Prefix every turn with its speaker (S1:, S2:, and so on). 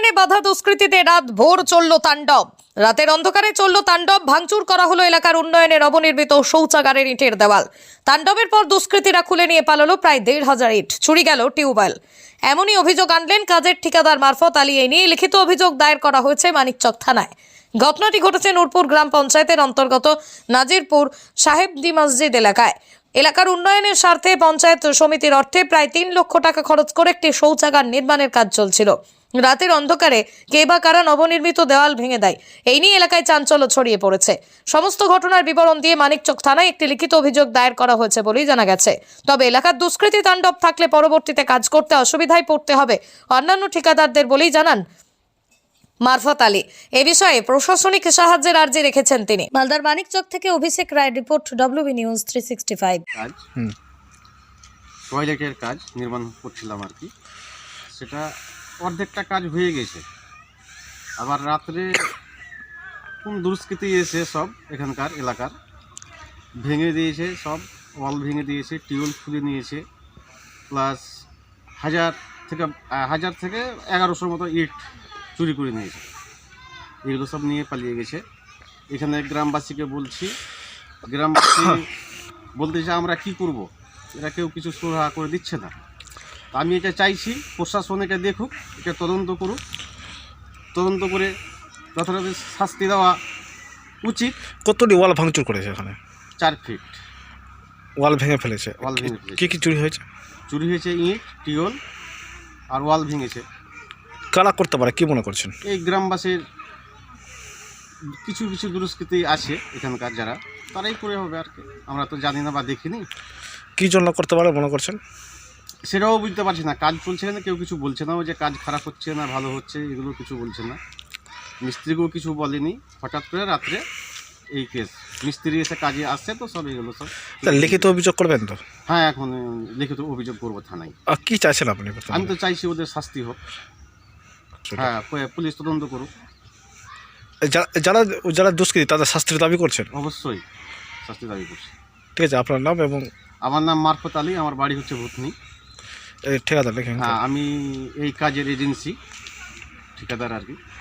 S1: উন্নয়নে বাধা দুষ্কৃতীতে রাত ভোর চলল তাণ্ডব। রাতের অন্ধকারে চলল তাণ্ডব, ভাঙচুর করা হলো এলাকার উন্নয়নের অবনির্মিত শৌচাগারের ইটের দেওয়াল। তাণ্ডবের পর দুষ্কৃতীরা খুলে নিয়ে পালালো প্রায় ১,৫০০ ইট, চুরি গেল টিউবওয়েল। এমনই অভিযোগ আনলেন কাজের ঠিকাদার মারফত আলী। এই নিয়ে লিখিত অভিযোগ দায়ের করা হয়েছে মানিকচক থানায়। ঘটনাটি ঘটেছে নূরপুর গ্রাম পঞ্চায়েতের অন্তর্গত নাজিরপুর সাহেবদি মসজিদ এলাকায়। এলাকার উন্নয়নের স্বার্থে পঞ্চায়েত সমিতির অর্থে প্রায় ৩ লক্ষ টাকা খরচ করে একটি শৌচাগার নির্মাণের কাজ চলছিল। রাতের অন্ধকারে কে বা কারা নবনির্মিত দেওয়াল ভেঙে দেয়, এই নিয়ে এলাকায় চাঞ্চল্য ছড়িয়ে পড়েছে। সমস্ত ঘটনার বিবরণ দিয়ে মানিকচক থানায় একটি লিখিত অভিযোগ দায়ের করা হয়েছে বলেই জানা গেছে। তবে এলাকার দুষ্কৃতী তাণ্ডব থাকলে পরবর্তীতে কাজ করতে অসুবিধায় পড়তে হবে অন্যান্য ঠিকাদারদের বলেই জানান মারফত আলী। এ বিষয়ে প্রশাসনিক সাহায্যের আর্জি রেখেছেন তিনি। মালদার মানিকচক থেকে Abhishek Roy report, WB news 365।
S2: কাজ টয়লেটের কাজ নির্মাণ করছিলাম আর কি, সেটা অর্ধেকটা কাজ হয়ে গেছে। আবার রাত্রে কোন দুষ্কৃতী এসে সব এখানকার এলাকার ভেঙে দিয়েছে, সব ওয়াল ভেঙে দিয়েছে, টিউবওয়েল খুলে নিয়েছে, প্লাস 1000 থেকে 1100 মতো ইট চুরি করে নিয়েছে। এগুলো সব নিয়ে পালিয়ে গেছে। এখানে গ্রামবাসীকে বলছি, গ্রামবাসী বলতেছে আমরা কি করব, এরা কেউ কিছু সুরাহা করে দিচ্ছে না। আমি এটা চাইছি প্রশাসন এটা দেখুক, এটা তদন্ত করুক, তদন্ত করে যথাযথ শাস্তি দেওয়া উচিত।
S3: কতটি ওয়াল ভাঙচুর করেছে এখানে?
S2: 4 ফিট
S3: ওয়াল ভেঙে ফেলেছে।
S2: ওয়াল ভেঙে ফেলেছে।
S3: কি কি চুরি হয়েছে?
S2: চুরি হয়েছে ইট, টিউবওয়েল আর ওয়াল ভেঙেছে।
S3: কারা করতে পারে কি মনে করছেন?
S2: এই গ্রামবাসীর কিছু কিছু দুষ্কৃতী আছে এখানকার, যারা তারাই করে হবে আর কি, আমরা তো জানি না বা দেখিনি।
S3: কি জন্য করতে পারে মনে করছেন?
S2: সেটাও বুঝতে পারছি না। কাজ চলছে না, কেউ কিছু বলছে না, যে কাজ খারাপ হচ্ছে না ভালো হচ্ছে এগুলো কিছু বলছে না। মিস্ত্রিকেও কিছু বলেনি। হঠাৎ করে রাত্রে এই কেস, মিস্ত্রি এসে কাজে আসছে তো সব এগুলো সব।
S3: লিখিত অভিযোগ করবেন তো?
S2: হ্যাঁ, এখন লিখিত অভিযোগ করবো থানায়।
S3: আর কি চাইছেন আপনি?
S2: আমি তো চাইছি ওদের শাস্তি হোক। হ্যাঁ, পুলিশ তদন্ত করুক।
S3: যারা যারা দুষ্কৃতী তাদের শাস্তির দাবি করছেন?
S2: অবশ্যই শাস্তি দাবি করছি।
S3: ঠিক আছে, আপনার নাম এবং?
S2: আমার নাম মারফত আলী, আমার বাড়ি হচ্ছে ভূতনি।
S3: ঠিকাদার লিখে?
S2: হ্যাঁ, আমি এই কাজের এজেন্সি ঠিকাদার আর কি।